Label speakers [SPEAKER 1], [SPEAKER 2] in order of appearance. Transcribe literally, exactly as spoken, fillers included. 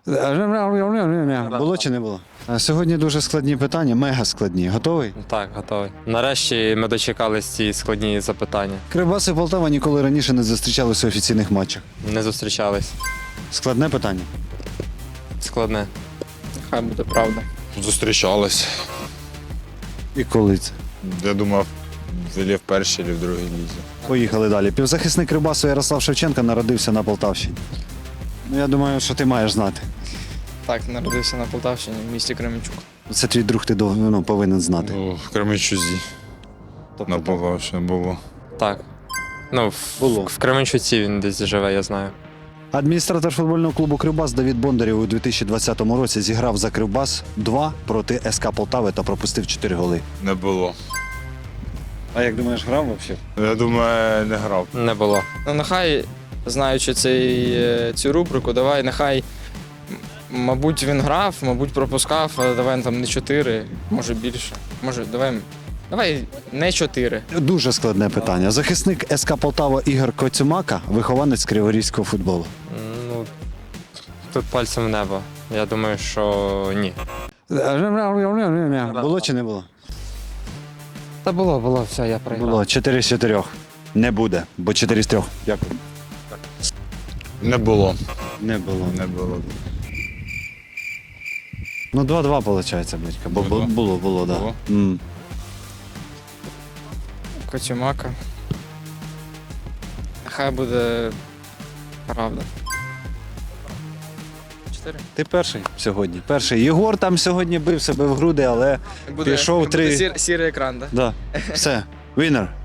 [SPEAKER 1] Було чи не було? А сьогодні дуже складні питання, мега складні. Готовий?
[SPEAKER 2] Так, готовий. Нарешті ми дочекались ці складні запитання.
[SPEAKER 1] Кривбас і Полтава ніколи раніше не зустрічалися у офіційних матчах.
[SPEAKER 2] Не зустрічались.
[SPEAKER 1] Складне питання.
[SPEAKER 2] Складне.
[SPEAKER 3] Хай буде правда.
[SPEAKER 4] Зустрічались.
[SPEAKER 1] І коли це?
[SPEAKER 4] Я думав, взагалі в першій чи в другій лізі.
[SPEAKER 1] Поїхали далі. Півзахисник Кривбасу Ярослав Шевченко народився на Полтавщині. Ну, я думаю, що ти маєш знати.
[SPEAKER 3] Так, народився на Полтавщині, в місті Кременчук.
[SPEAKER 1] Це твій друг, ти дов- ну, повинен знати.
[SPEAKER 4] Ну, в Кременчузі.
[SPEAKER 1] Тобто
[SPEAKER 4] На Полтавщині було.
[SPEAKER 2] Так. Ну, в,
[SPEAKER 1] Було.
[SPEAKER 2] в Кременчуці він десь живе, я знаю.
[SPEAKER 1] Адміністратор футбольного клубу «Кривбас» Давід Бондарєв у дві тисячі двадцятому році зіграв за «Кривбас» два проти СК Полтави та пропустив чотири голи.
[SPEAKER 4] Не було.
[SPEAKER 1] А як думаєш, грав взагалі?
[SPEAKER 4] Я думаю, не грав.
[SPEAKER 2] Не було.
[SPEAKER 3] Ну, нехай, знаючи цей, е, цю рубрику, давай, нехай, м- мабуть, він грав, мабуть, пропускав, але давай там не чотири, може більше. Може, давай, давай не чотири.
[SPEAKER 1] Дуже складне питання. Захисник СК Полтава Ігор Коцюмака, вихованець криворізького футболу.
[SPEAKER 2] Ну, тут пальцем в небо. Я думаю, що ні.
[SPEAKER 1] Було чи не було?
[SPEAKER 2] Та було, було, все, я проіграв.
[SPEAKER 1] Було. чотири з чотирьох. Не буде, бо чотири з трьох. Дякую.
[SPEAKER 4] Не було.
[SPEAKER 1] Не було.
[SPEAKER 4] Не було.
[SPEAKER 1] Ну, два-два виходить, батька. Бо
[SPEAKER 4] Було?
[SPEAKER 1] було, було, так.
[SPEAKER 4] Було?
[SPEAKER 1] Да. М.
[SPEAKER 3] Коцюмака. Нехай буде правда. Чотири?
[SPEAKER 1] Ти перший сьогодні. Перший. Єгор там сьогодні бив себе в груди, але
[SPEAKER 3] Буде,
[SPEAKER 1] Пішов
[SPEAKER 3] буде
[SPEAKER 1] три.
[SPEAKER 3] сір- сірий екран, так?
[SPEAKER 1] да. Все. Вінер.